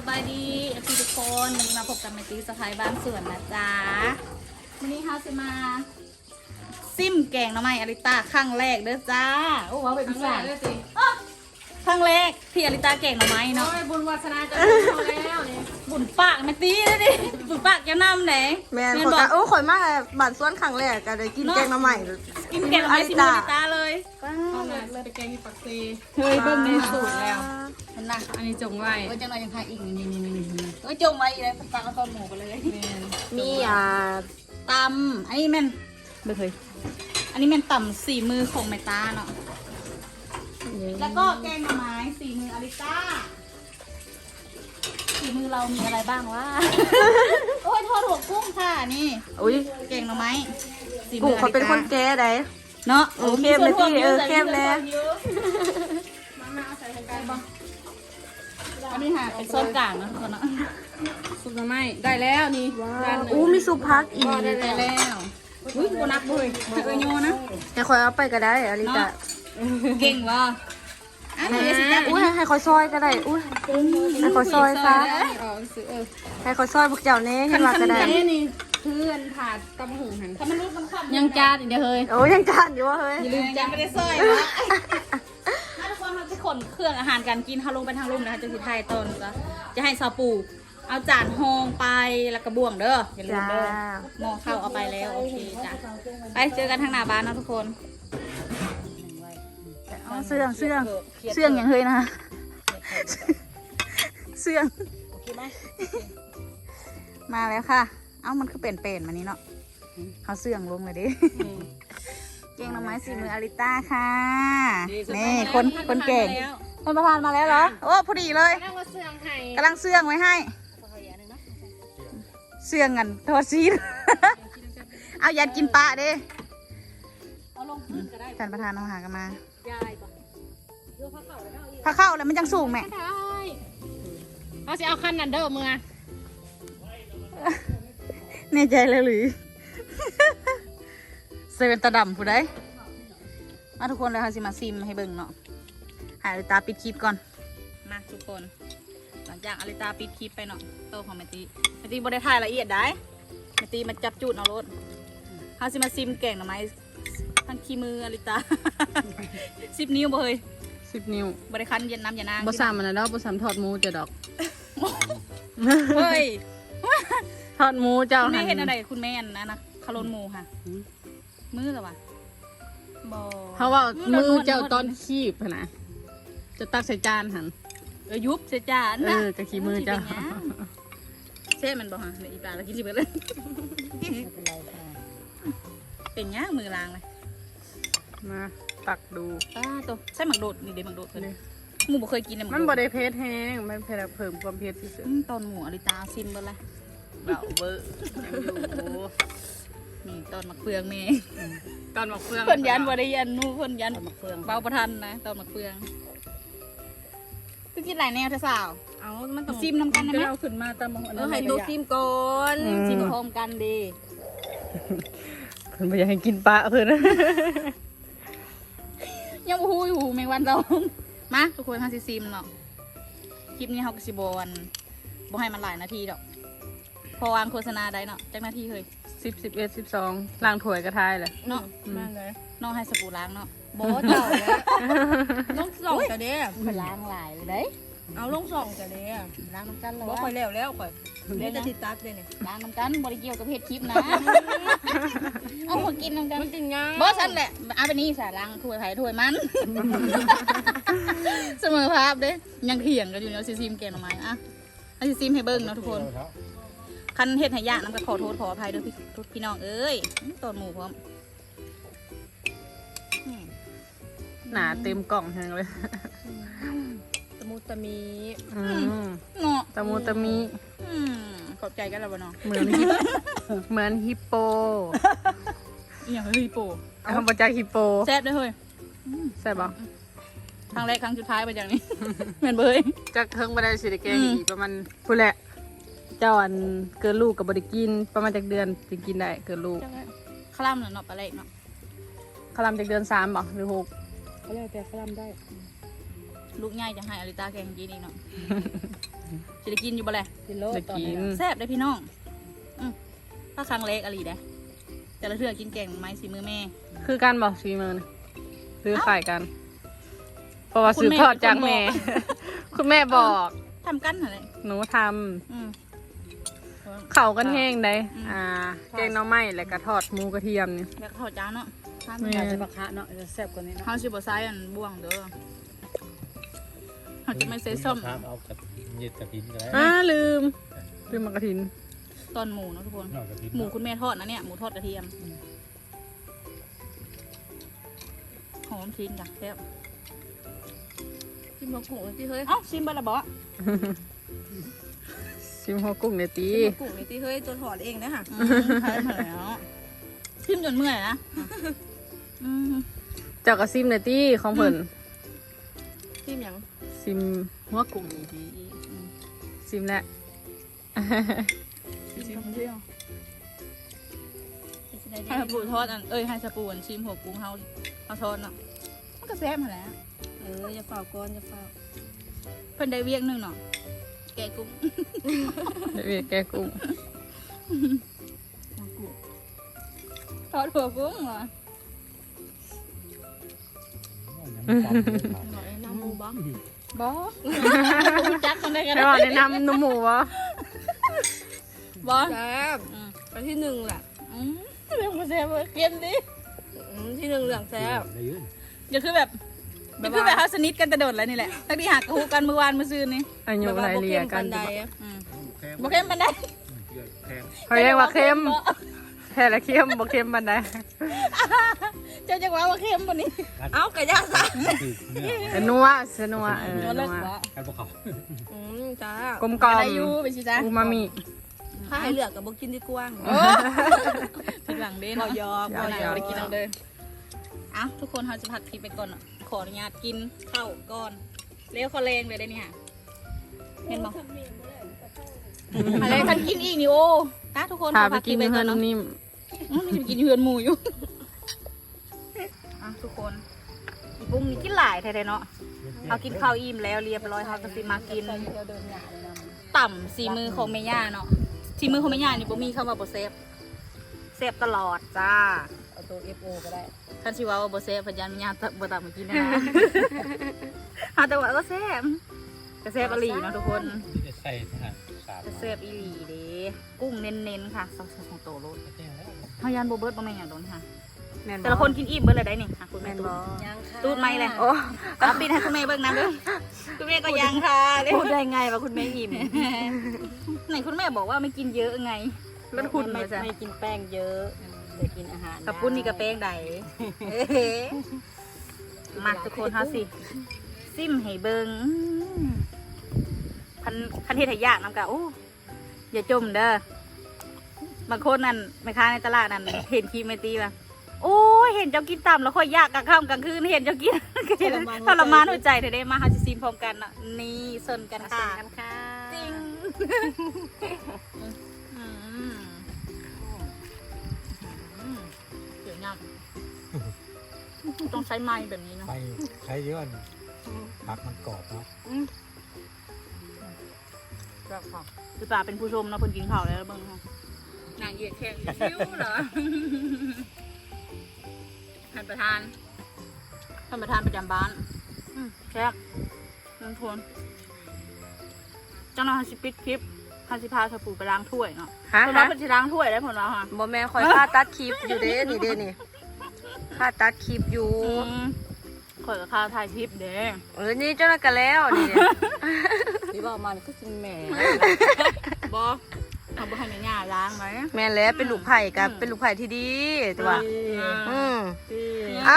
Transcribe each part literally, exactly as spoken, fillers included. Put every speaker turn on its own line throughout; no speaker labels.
บายดีพี่ทุกคนวันนี้มาพบกับแม่ตีสะพายบ้านสวนนะจ๊ะวันนี้เขาจะมาซิมแกงหน่อไม้อลิตาครั้งแรกเด้อจ้าโอ้ว้าวเป็นพิเศษเลยสิครั้งแรกที่อลิตาแกงหน่อไม้เนาะ
บุญวาสนาจะเอาแล้วนี่
บุญปากแม่ตีเลยดิบุญปากแกน้ำไหน
แม่คนละโอ้ข่อยมากเลยบัตรส่วนครั้งแรกก็ได้กินแกงมาใหม่
กินแกงหน่อไม้ซิมอลิตาเลย
เอาไงเลยไปแกงที่ปักซี
เฮ้ยเบิ่งในสูตรแล้วมันนะ
อันนี้จงไว้
เอ้ยจังหน่อยยังทายอีกนี่นี่นี่นี่เอ้ยจงไว้เลยฟังเอาตอนหมูไปเลย
มีอ่า
ตำอันนี้แม่นเบิ่งเลยอันนี้แม่นตำสี่มือของแม่ตาเนาะแล้วก็แกงหน่อไม้สี่มืออลิต้าสี่มือเรามีอะไรบ้างวะ โอ้ยทอดหัวกุ้งค่ะนี่
อุ้ย
แกงหน่อไม้สี่
กู
มืออ
เขา
ลิ
เป็นคน
ต้า
แก่ได้
เนาะ
โอเคแม่ตี้เออเข้มแล้ว
มามาเอาใส่ทางการบ้าง
อันนี้ค่ะเป็นโซนกลางนะทุกคนเนาะ
ซุปหน่อไม้ได้แล้วนี่จานหนึ่ง
อู้มีซุปพักอีก
ได้แล้วอุ้ยโบนักบุยเออโยนะ
ให้ข่อยเอาไปก็ได้อลิตา
เก่งว่ะอ่ะเดี๋ยวสิจ๊ะ
อุ้ยให้ข่อยซอยก็ได้อุ้ยให้ข่อยซอยซะ
อ๋อซื้อเออ
ให้ข่อยซอยพวกเจ้าเน่ให้มาก็ได้
นี่นี่เพื่อนถาดตำหูหัน
ถ้ามันรูดมันขับ
ยังจานอีกเดียวเฮ้ย
โอ้ยยังจานอยู่วะเฮ้ย
อย่าลืมจะไม่ได้ซอยนะถ้าทุกคนเขาจะขนเครื่องอาหารการกินเขาลงไปทางลุ่มนะคะจะสิไทยตนก็จะให้ซาปูเอาจานหองไปแล้วก็บ่วงเด้ออย่าลืม
จ้า
เด้อหม้อข้าวเอาไปแล้วโอเคจ้ะไปเจอกันทางหน้าบ้านนะทุกคน
อ๋อเสื่องเสื่องเสื่องอย่างเฮ้ยนะเสื่องมาแล้วค่ะเอ้ามันคือเป็นเป็นๆมานี้เนาะเขาเสื่องลงเลยดิเก่งหน่อไม้สีมืออาริต้าค่ะนี่คนคนเก่งคนประธานมาแล้วเหรอโอ้พอดีเลย
นั่งว่าเสื่องไห้
กำลังเสื่องไว้ให้เสื่องกันทอดซีน เอายันกินปลาดิ
เอาลงพื้นก็ได้
ท่านประธานเอาหากันมาย
ายก่อนเดี๋ยวพักเข่าแล้วเอาอีก
พาเข้าแล้วมันจังสูงแม่
ได้เอาสิเอาขั้นนันเด้อมือ
แน่ใจเลยหรือ เซเว่นตาดำผู้ใดมาทุกคนเลยค่ะสิมาซิมให้เบิ่งเนาะหาอลิตาปิดคลิปก่อนมาทุกคน หลังจากอลิตาปิดคลิปไปเนาะโตของแมตีแมตีบได้ถ่ายละเอียดได้แมตีมาจับจูดเอารถเขาสิมาซิมแกงหน่อไม้ทั้งขี้มืออลิตา สิบนิ้วบ่เฮ้ย
สิบนิ้ว
บริคันเย็นน้ำยานาง
บ่สามมันนะดอกบ่สามทอดหมูจะดอก
เฮ้ย
ทอดหมูเจ้า
คุณ
หั
แม่
น
เห็นอะไรคุณแม่นนะนะคารนหมูค่ะ มือเหรอวะบอ
เพราะว่ามือเจ้าตอนคีบหั่นนะจะตักใส่จานหัน
เออยุบเสียจาน
เออจะขี้มือเจ้า
เช่มันบอกฮะเดี๋ยวอีปลาเรากินสิบเลย เป็นย่างมือล้างเลย
มาตักดู
ป้าตัวใช่หมักโดดนี่เดี๋ยวหมักโดดเลยหมูบ่เคยกินเลยห
มัน
โ
บ่ได้เผ็ดแห้งมันเผ็ดเพิ่มความเผ็ดที่สุด
อืมตอนหมูอลิตาซิมเบอร์เลย
เบาเบอร์ยังอยู่
นี่ตอนหมักเฟืองแม่
ตอนหมักเฟือง
เพิ่นยันบ่ได้ยันนู่เพิ่นยัน
หมักเฟือง
เบาประทันนะตอนหมักเฟืองคือกินหลายแนวเธอสาว
เอามันต้อง
ซิมนำกันได้ไหม
เอาขึ้นมาตามมองอัน
เอ
นั้
อน ให้ตัวซิมก่อนซิมพร้อมกันดี
เพิ่นบ่อยากให้กินปลาเพิ่น
ยังบ่ฮู้อยู่แมงวันเรามาทุกคนทางซิซิมเนาะคลิปนี้เฮาก็สิบ่อันบ่ให้มันหลายนาทีดอกพอวางโฆษณาได้เนาะจักนาทีเฮ้ย
สิบสิบเอ็ดสิบสองล้างถ้วยกระทายเลย
เนาะ
มาเลย
น้องให้สบู่ล้างเนาะ
โบเจ้าแล้วลงสองจะเด้
เพิ่นล้างหลายเลยเด้
เอาลงสองจะเด้
ล้างน้ำกันเลย
บ่ค่อยแล้วแล้วค่อยเดี๋ยวจะติดตัดเลยเนี่ย
ล้างน้ำกันบ่ได้เกี่ยวกับเฮ็ดคลิปนะเอามากินน้ำกัน
มันกินง่าย
บ่ซั่นแหละเอาไปนี่ซะล้างถ้วยไผถ้วยมัน เสมอภาพเด้ยังเถียงกันอยู่เนาะซิซิมแกงหน่อไม้อะให้ซิซิมให้เบิ่งเนาะทุกคนคันเฮ็ดให้ยากน้ำก็ขอโทษขออภัยเด้อพี่พี่น้องเอ้ยต้นหมูพร้อม
หนาเต็มกล่องแห้งเลย
ตะมูตะมี
อืม
เนาะ
ตะมูตะมิ
อืมขอบใจกันแล้วบ่เนาะ
เหมือนฮิปเหมือนฮิปโป
อีหยังเฮ้ยโป
คำประจักษ์ฮิปโป
แซ่บเด้อเฮ้ย
ใช่ปะ
ครั้งแรกครั้งสุดท้ายไปอย่างนี้ เหมือนเบย
จักเทิงมาได้สิได้แกง
อืม
อีกประมาณพูดแหละ เจ้าอันเกินลูกกับบริกิน ประมาณจากเดือนจึงกินได้เกินลูก
คล่ำเนาะปลาเล็กเนาะ
คลำจากเดือนสามบ่หรือหก
เขาเรียกแต่คลำได้
ลูกง่ายจะให้อลิตาแกงกินอีกเนาะ
จะได้กินอยู่บ่แหละ
กินโล
ได้กิน
แซ่บได้อพี่น้องอืมถ้าครั้งเล็กอะไรได้แต่ละเทื่อกินแกงไม้สีมือแม่
คือการบอกซีมือนะหรือขายกัน เพราะว่า
คุณ
สืบ
แม่
ทอดจากแม่ คุณแม่บอก
ทำกันอะไร
หนูท
อืม
ำเข่ากันแห้งได้
อืม
อ่าแกงหน่อไม้แล้วก็ทอดหมูกระเทียมนี่
แล้วก็ทอดจานเนาะทาน
แม่
ไม่ได้
จะบักคะเนาะจะแซ่บกว่านี้เนาะ
เฮาสิบ่ใส่อันบ่วงเด้อเฮาจะไม่ใส่ส้ม
ครับเอากระเย็ดกระถินก็ได้
อ่าลืมลืมมากระถิน
ตอนหมูเนาะทุกคน
นอกกระถิน
หมูคุณแม่ทอดนะเนี่ยหมูทอดกระเทียมหอมชิ้นจ้ะแซ่บ
กินมะกรูดที่เฮ้ย
เอ้าชิมเบอร์ละบ่
ชิมหัวกุ้งในอยตี
กินมะกรูดนี่ที่เฮ้ยตัวถอดเองนะฮะ
อืมใช่เหมือนแล้วชิมจนเมื่อยนะอืม
เจ้ากระซิมในอยตีของเพิ่น
ชิมหยัง
ซิมหัวกุ้งในอยตีซิมแล้ว
ชิมเที่ยวให้สปูทอดอันเอ้ยให้สปูอันชิมหัวกุ้งเฮาเฮาทอดเนาะมันก็แซ่บเหมือนแล้ว
เอออย่าเฝ้าก้อนอย่าเฝ้า
เพิ่นได้เวียกหนึงเนาะแกะกุ้ง
เดี๋ยวเวียแกงกุ้ง
ทอดหัวกุ้งเหรอ
หน่อยน้ำมูบ้าง
บ่จักคนได้กัน
ได้ว่าแนะนำหนุ่มหมูวะ
บ่
แซ่บ
อืม
อันที่หนึ่งแหละ
อืมเรื่องบ่แซ่บเปลี่ยนดิ
อืมที่หนึ่งเหลืองแซ่บ
ได้ยืน
อย่าคือแบบอย่าคือแบบเฮาสนิทกันแต่โดดแล้วนี่แหละตั้งที่หักกะฮูกันเมื่อวานเมื่อซืนนี่
อายุไรเรียกัน
ใด
อืม
แข็ง
บ่เข้มปานใด
แข็ง
เขาเรียกว่าเค็มแค่ละเค็มบ่เค็มบันได
เจ้าจักว่าว่าเข้มบ่นี่
เอ้ากระยาซะ
คือเนื้อ
เออนัวเสนัวเออ
เลิก
นัว
บ่
การพวกเขา
อืมจ้าก
ลมกล่อม
ได้อยู่ไปสิจ้า
อูมามิ
ถ้าให้เหลือกกับบุกินดีกว่า
โอ้ทีหลังเด้เนาะยอมบ่ได้บ่ได้กินเอาเด้อเอ้าทุกคนเฮาจะพักคลิปไปก่อนเนาะขออนุญาตกินข้าวก่อนเร็วขอแรงเลยได้นี่ค่ะเห็นบ่อะไรคันกินอีกนี่โอ้นะทุกคน
พา
ขอ
ไป
พักค
กิ
ลิ
น
ปไป
เฮื
ก่
อ
อน
น
เนาะ
นิ่ม
อืมมันจะไปกินเฮือนหมูอยู่ อ่ะทุกคนอีปุ้งนี่กินหลายแท้ๆเนาะเอากินข้าวอิ่มแล้วเรียบร้อยเขาก็สิมากินต่ำสีมือของเมย่าเนาะสีมือของเมย่านี่บ่มีคำว่าบ่เซฟเซฟตลอดจ้า
เอาตัว เอฟ โอ ก็ได้
คันสิว่าว่าบ่เซฟพยานเมย่าบ่ตามมากินนะฮะแต่ว่าก็เซฟก็เซฟอีหลีเนาะทุกคน
ที่จะใส่ทหารสาม
ก็เซฟอีหลีเด้กุ้งเน้นๆค่ะซอสของโตโลด
แจ้งแล้ว
เฮายานบ่เบิดบ่แม่นหยังโดนค่ะ
แม่นบ่
แต่ละคนกินอิ่มเบิดเลยได้นี่ค่ะคุณแม่ตูด
ยังค่ะ
ตูดไม่เลยโอ้เอาปิดให้คุณแม่เบิ่งน้ำด้วยคุณแม่ก็ยังค่ะเลย
พูดได้ไงว่าคุณแม่อิ่ม
ไหนคุณแม่บอกว่าไม่กินเยอะไงลดหุ่น
ไม่
มาจ้ะ
ไม่กินแป้งเยอะแต่กินอาหาร
กับปุ้นนี่กับแป้งใดเอ๊ะมาทุกคนเฮาสิซิมให้เบิ่งอืมคันคันเฮ็ดให้ยากน้ำกะโอ้อย่าจมเด้อบางคนนั่นแม่ค้าในตลาดนั่นเห็นคลิปไม่ตีป่ะโอ้ยเห็นเจ้ากินต่ำแล้วค่อยยากกลางค่ำกลางคืนเห็นเจ้ากินทรมานหัวใจเธอได้มาเฮาสิซิมพร้อมกันเนาะนี่สนกันค่ะ
กันค่ะ
จริงอืมอืมเดี๋ยวงามต้องใช้ไม้แบบนี้เนาะ
ไปใช้เยอะผักมันกรอบเนาะ
คือป่าเป็นผู้ชมเนาะเพิ่นกินข้าวแล้วเบิ่งเนาะนางเหยียดแข้งชิวเหรอท่านประธานท่านประธานประจำบ้านอืมแซ่บน้ำทวนเจ้าหน้าที่ปิดคลิปฮาสิพาสปูไปล้างถ้วยเนาะ
ฮะ
เพิ่นว่าเพิ่นสิล้างถ้วยได้ผลแล้วค่ะ
บ่แม่คอยค่าตัดคลิปอยู่เด้นี่เด้นี่ค่าตัดคลิปอยู่
อืมข่อยกับข้าวถ่ายคลิปเด้
เออนี่เจ้าหน้ากันแล้วนี่นี่บอกมันก็กินแม่
บอเอาบ่ให้แม่ย่าล้างไหม
แม่แล้วเป็นลูกไผ่กับเป็นลูกไผ่ที่ดีตัวอืม
อ้าว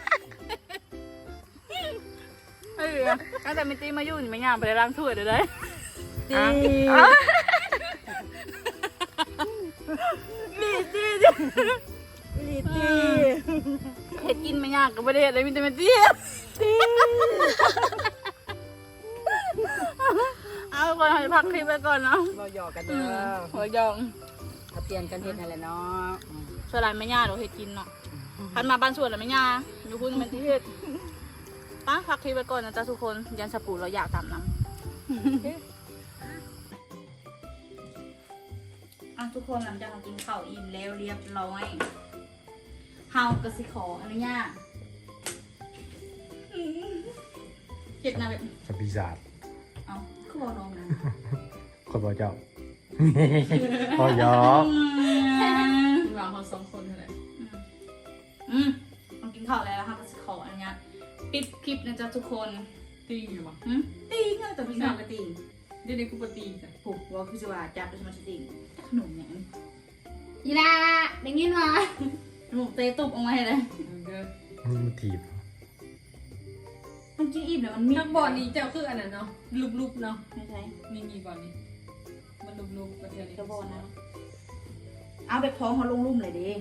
เฮ้ยตั้งแต่แม่ตีมาอยู่นี่แม่ย่าไปล้างถ้วยเด้อเด้
ดี
ดีดี
ดีดี
เฮ็ดกินแม่ย่าก็บ่ได้เฮ็ดเลยมีแต่แม่ตีเอาก่อนให้พักคลิปไปก่อนเนาะ
เราหยอกกัน
อื
เด้
ม
อ
หัวยอง
เอาเปลี่ยนกันเฮ็ดนั่นแหละเนาะ
ส่วนหลานแม่ย่าเราเฮ็ดกินเนาะพันมาบ้านสวนแล้วแม่ย่าอยู่คุณแม่ตีเฮ็ดป้าพักคลิปไปก่อนนะจ๊ะทุกคนยันสปูเราอยากตามน้ำ
อ่ะทุกคนหลังจากเรากินข้าวอิ่มแล้วเรียบร้อยเฮาก็สิขออนุญาตอืมเจ็ดนะแบบ
สปีศาจ
เอาคือบอกน้องนะ
คนบอกเจ้า พอยอ
คุณวางเขาสองคนเท่าไหร่
อืมเรากินข้าวแล้วค่ะก็สิขออนุญาตปิดคลิปนะจ๊ะทุกคน
ตีอยู่ปะ
หืมติงอะแต่พี่สาวก็ติง
เดี๋ยวนี้กูปตีจ้ะ
ผูกว่าคือจะว่าจับด้วยมันจะติงขนมเนี่ยยีราได้ยินมาหมูเตะตุบออกมาให้เลย
เด้อ
มันถีบ
มันกินอิ่มแล้วมันมี
ทั้งบอลนี้เจ้าคืออันนั้นเนาะรูปๆเนาะ
ไม่ใช่
นี่มีบอลนี้มันรูปๆประเทศนี้
กระบอกนะเอาแบบท้องเขาลงลุ่มเลยดิ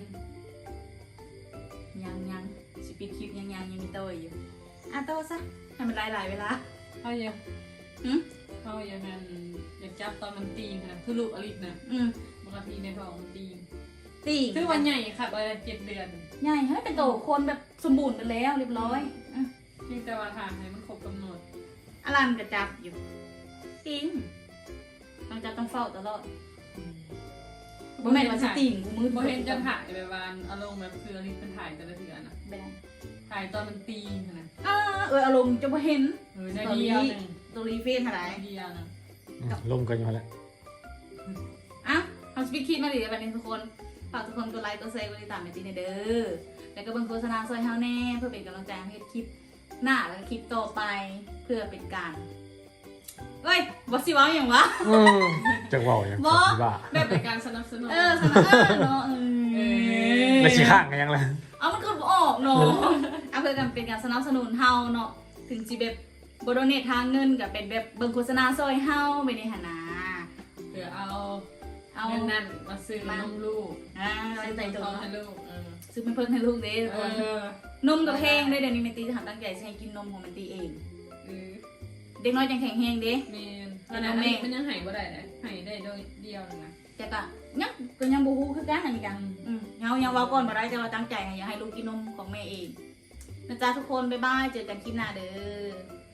ยังยังสิปิดคลิปยังยังยังมีเตยอยู่อ่ะโตซะให้มันหลายหลายๆเวลา
เขาอยาก
หืม
เขาอยากนั่นอยากจับตอนมันตีนนะคือลูกอลิสนะ
อืม
ปกติในท้องมันตีน
ติง
คือวันใหญ่ค่ะวันเจ็ดเดือน
ใหญ่เฮ้ยเป็นโตคนแบบสมบูรณ์ไปแล้วเรียบร้อยอ่ะ
เพียงแต่ว่าทางให้มันครบกำหนด
อลันกระจับอยู่จริงต้องจับต้องเฝ้าตลอดบ่แม่นว่าสิติ่งกูมืด
โบเห็นจะถ่ายแบบวันอารมณ์แบบคืออลิสเป็นถ่ายแต่ละเดือนนะ
แบน
ถ่ายตอนมันตีนนะ
อ่าเอออารมณ์จะบ่เห็น
เออได้เดียวหนึ่ง
ตัวรีเฟนอะไร
ได้เดียวนะ
ลมกันอยู่แล้ว
อ่ะทำสปีดคิดมาดิแบบนี้ทุกคนฝากทุกคนกดไลค์กดแชร์กดติดตามไปตีในเด้อแล้วก็เบิ่งโฆษณาซอยเฮาแน่เพื่อเป็นกำลังใจให้คลิปหน้าแล้วก็คลิปต่อไปเพื่อเป็นการเอ้ยบอสสิว้าอย่างวะ
จะว่าอย่าง
บ่
ที่ว่า
แบบเป็นการสนับสนุน
เออสนับเออเนาะเออ
แล้วชี้ข้างกันยังไง
เอามันก็บ่ออกเนาะเอาเพื่อกันเป็นการสนับสนุนเฮาเนาะถึงจีแบบบโดเนททางเงินกับเป็นแบบเบิ่งโฆษณาซอยเฮาไปในหนนา
เดี๋ยวเอา
เอา
เงินนั่นมาซื้อนมลูก
อ่าเราจะใจตัว
เขา
เนาะ
ให้ลูกเออ
ซื้อเป็นเพิ่นให้ลูกเด้ทุก
เอ
คน
อน
มกับแพงได้เดี๋ยวนี้แมนตีหันตั้งใจจะให้กินนมของแมนตีเอง
เออ
เด็กน้อยยังแข็งแรงเด้
เมนตอนนั้นอันนี้มันยังหายบ่ได้เลยหายได้โดยเดียวนึงนะ
แต่ก็ยังก็ยังบูฮู้คือกันอันนี้กันอืมเฮายังเว้าก่อนบ่ได้แต่ว่าตั้งใจให้อยากให้ลูกกินนมของแม่เองนะจ๊ะทุกคนบ๊ายบายเจอกันคลิปหน้าเด้อ